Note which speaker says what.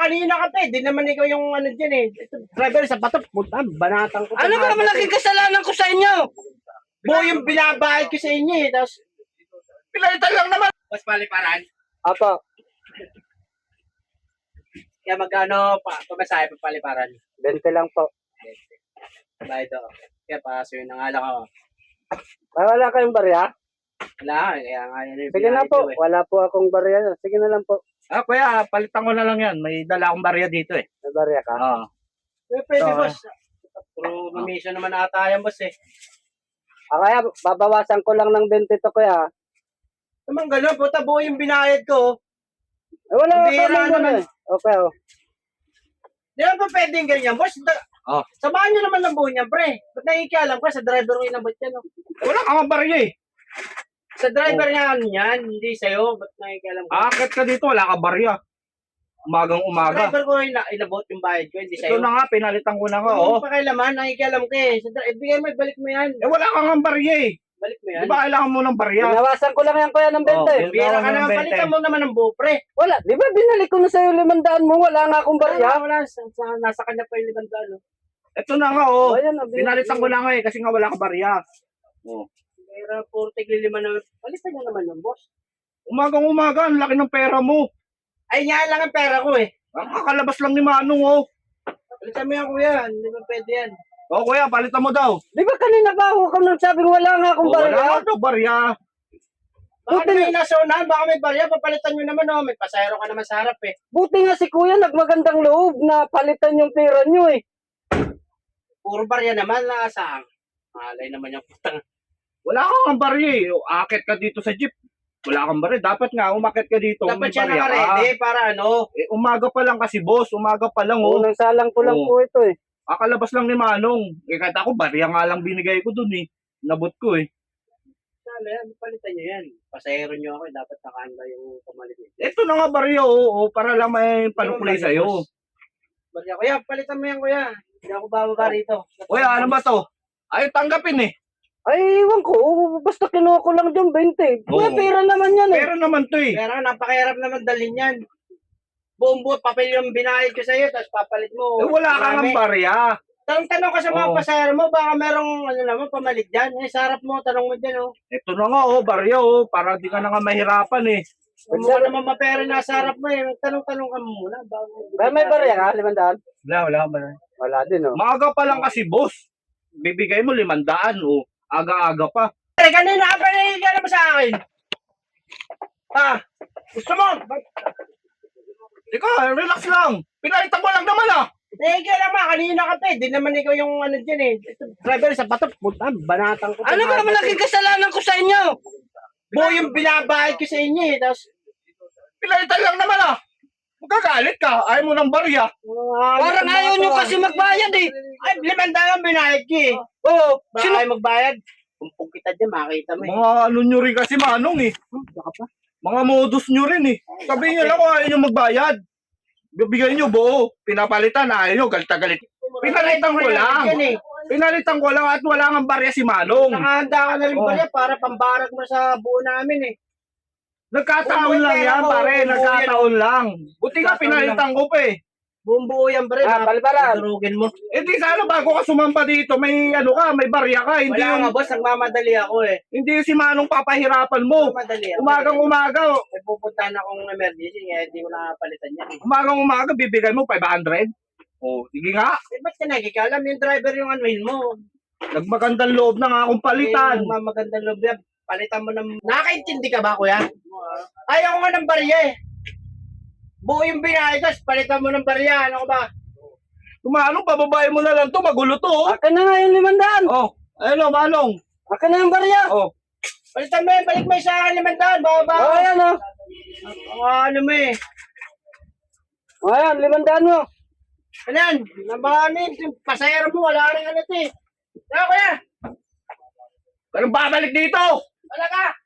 Speaker 1: kanina ka pa eh. Di naman ikaw yung ano dyan eh. Ito, driver sa bato, puta, banatang ko.
Speaker 2: Ano ba naman naging kasalanan ko sa inyo?
Speaker 1: Buo yung binabayad ko sa inyo eh. Tapos,
Speaker 2: Pinalitan lang naman.
Speaker 1: mas paliparan.
Speaker 2: Apo,
Speaker 1: Kaya magkano pa, pamasahe pa paliparan.
Speaker 2: 20 lang po.
Speaker 1: Bayad ako. Kaya paso yun, nangalang ako.
Speaker 2: Wala kayong barya?
Speaker 1: Wala, kaya nga yun yung
Speaker 2: Sige na
Speaker 1: binayad
Speaker 2: po,
Speaker 1: ko eh.
Speaker 2: wala po akong barya. Sige na lang po.
Speaker 3: Ah, kuya, palitan ko na lang yan. May dala akong barya dito eh.
Speaker 2: May barya ka?
Speaker 3: Oo.
Speaker 1: Pwede
Speaker 3: So,
Speaker 1: boss. Pero mission naman ata yan boss eh.
Speaker 2: Kaya babawasan ko lang ng 20 to kuya.
Speaker 1: Naman gano'n, puta, buo yung binayad ko.
Speaker 2: Wala
Speaker 1: Hindi
Speaker 2: ka
Speaker 1: na
Speaker 2: naman
Speaker 1: naman.
Speaker 2: eh. Okay oh.
Speaker 1: Di ba pwedeng ganyan, boss?
Speaker 3: Oh.
Speaker 1: Samahan nyo naman ng buo niya, pre. Ba't nakikialam ka? Sa driver ko inabot yan, no?
Speaker 3: Wala kang barya eh.
Speaker 1: Sa driver nga ano yan, hindi sa'yo. Ba't nakikialam ka?
Speaker 3: Akit ka dito, wala ka barya. Umagang
Speaker 1: Sa
Speaker 3: umaga.
Speaker 1: driver ko inabot yung bayad ko, hindi
Speaker 3: Ito
Speaker 1: sa'yo.
Speaker 3: na nga, pinalitan ko na nga.
Speaker 1: Hindi
Speaker 3: Oh.
Speaker 1: pa kailaman, nakikialam ka eh. Bigay mo, balik mo yan.
Speaker 3: Eh, wala kang barya eh.
Speaker 1: Balik mo yan.
Speaker 3: Di ba kailangan mo ng barya?
Speaker 2: Binawasan ko lang yan kuya ng 20.
Speaker 3: Oh,
Speaker 1: Bira ka
Speaker 3: Binawasan
Speaker 1: naman,
Speaker 3: ng 20.
Speaker 1: palitan mo naman ng buo, pre.
Speaker 2: Wala, di ba binalik ko na sa'yo 500 mo? Wala nga akong barya.
Speaker 1: Wala, nasa kanya pa yung libandalo.
Speaker 3: Ito na nga oh.
Speaker 2: Ayan,
Speaker 3: Pinalitan ko na nga eh, kasi nga wala ka barya. Oh.
Speaker 1: Pero puro tigli-lima na, palitan niya naman yung boss.
Speaker 3: Umagang umaga, ang laki ng pera mo.
Speaker 1: Ay, yan lang ang pera ko eh.
Speaker 3: Ang kakalabas lang ni Manong oh.
Speaker 1: Palitan mo yan, kuya. Hindi ba pwede yan?
Speaker 3: Oh kuya, palitan mo daw.
Speaker 2: Di ba kanina ba ako nang sabing wala nga akong
Speaker 3: Oh, wala
Speaker 2: barya?
Speaker 3: ka daw barya.
Speaker 1: Baka may nasa unahan, baka may barya, papalitan nyo naman, oh. May pasayro ka naman sa harap, eh.
Speaker 2: Buti nga si kuya nagmagandang loob na palitan yung pera nyo eh.
Speaker 1: Puro barya naman, nakasang. Malay naman yung putang.
Speaker 3: Wala kang barya eh. Akit ka dito sa jeep. Wala kang barya. Dapat nga, umakit ka dito.
Speaker 1: Dapat
Speaker 3: may
Speaker 1: siya
Speaker 3: barya ka.
Speaker 1: naka-ready para ano.
Speaker 3: Eh, umaga pa lang kasi boss. Umaga pa lang oh.
Speaker 2: Unang salang ko lang
Speaker 3: Oo.
Speaker 2: po ito eh.
Speaker 3: Kakalabas lang ni Manong. Eh, kahit ako, barya nga lang binigay ko dun eh. Nabot ko eh.
Speaker 1: Sana yan, palitan nyo yan. Pasayro nyo ako, dapat nakahanda yung pamalit.
Speaker 3: Ito na nga barya oh. Para lang may panukulay
Speaker 1: Barya,
Speaker 3: sa'yo.
Speaker 1: boss. Barya, kuya, palitan mo yan, kuya. Hindi ako bababa rito.
Speaker 3: Kuya, ano ba to? Ayaw tanggapin eh.
Speaker 2: Ay, iwan ko. Basta kinuha ko lang dyan 20. Kuya,
Speaker 3: Oo.
Speaker 2: pera naman yan eh.
Speaker 3: Pera naman to eh.
Speaker 1: Pero napakahirap naman dalhin yan. Buong buo, papel yung binayad ko sa'yo, tapos papalit mo.
Speaker 3: Eh, wala kang
Speaker 1: Marami.
Speaker 3: barya.
Speaker 1: Tanong ka sa mga
Speaker 3: Oo.
Speaker 1: pasayro mo, baka merong ano naman, pamalit dyan. Eh, sa harap mo, tanong mo dyan, oh.
Speaker 3: Ito na nga oh, barya oh. Para di ka na nga mahirapan eh.
Speaker 1: Kung mukha naman mapera na sa harap mo, eh. Tanong-tanong ka muna.
Speaker 2: Kaya may barya ka, 500?
Speaker 3: Wala kang barya.
Speaker 2: Wala din oh.
Speaker 3: Maaga pa lang kasi boss. Bibigay mo 500 oh. Aga-aga pa.
Speaker 1: Eh, kanina ka pa nahihiga mo sa akin. Ha? Gusto mo?
Speaker 3: Ikaw, relax lang. Pinalitan ko lang naman ah.
Speaker 1: Nahihiga naman, kanina ka pa eh. Di naman ikaw yung ano dyan eh. Ito, driver sa bato, puta, banatang ko.
Speaker 2: Ano ba naman naging kasalanan ko sa inyo?
Speaker 1: Buo yung binabayad ko sa inyo eh. Tapos,
Speaker 3: Pinalitan lang naman ah. Magkagalit ka. Ayaw mo ng barya.
Speaker 2: Parang ayaw nyo kasi magbayad eh.
Speaker 1: Ay, 500 binayad ko eh.
Speaker 2: Oo.
Speaker 1: Baka
Speaker 2: Sino?
Speaker 1: kayo magbayad. Kumpong kita dyan, makakita mo eh.
Speaker 3: Mga ano nyo rin kasi Manong eh.
Speaker 1: Baka pa.
Speaker 3: Mga modus nyo rin eh. Sabihin nyo lang kung ayaw nyo magbayad. Bibigay nyo buo. Pinapalitan, ayaw nyo, galit-galit. Pinalitan ko lang.
Speaker 1: Yan eh.
Speaker 3: Pinalitan ko lang at wala nga barya si Manong.
Speaker 1: Nakahanda ka na rin
Speaker 3: Oh.
Speaker 1: pala para pambarag mo sa buo namin eh.
Speaker 3: Nagkataon lang yan, pare. Nagkataon lang. Buti nga pinalitan ko pa eh.
Speaker 1: Buong buo yan, pre.
Speaker 2: Paliparan.
Speaker 1: Durugin mo.
Speaker 3: Eh di sana bago ka sumampa dito, may ano ka, may barya ka. Hindi
Speaker 1: Wala
Speaker 3: yung,
Speaker 1: nga, boss. Nagmamadali ako eh.
Speaker 3: hindi yung si Manong papahirapan mo.
Speaker 1: Nagmamadali ako.
Speaker 3: Umagang umaga,
Speaker 1: May pupuntahan akong emergency kaya hindi ko nakapalitan yan eh.
Speaker 3: umagang umaga, bibigay mo 500. Oh, sige nga.
Speaker 1: Eh, ba't ka nagkikalam? Yung driver yung anuhin mo.
Speaker 3: Nagmagandang loob na nga akong palitan.
Speaker 1: Yung magandang loob yan. Palitan mo ng... Nakakaintindi ka ba, kuya? Ayaw ko nga ng barya eh. Buo yung binayad, tapos palitan mo ng barya. Ano ko ba?
Speaker 3: Manong, pababae mo na lang to, magulo to. Oh,
Speaker 2: Akin na nga yung 500.
Speaker 3: oh ayun o, Manong.
Speaker 2: Akin na yung barya.
Speaker 3: Oh,
Speaker 1: Palitan mo yan, balik mo yung sa akin 500. Baba.
Speaker 2: Oo, ayan oh.
Speaker 1: Ano mo eh.
Speaker 2: O ayan, 500 mo.
Speaker 1: Ano yan? Nabahanin. Yung pasayero mo, wala rin ano ito eh. Ano kuya?
Speaker 3: anong babalik dito?
Speaker 1: Wala ka.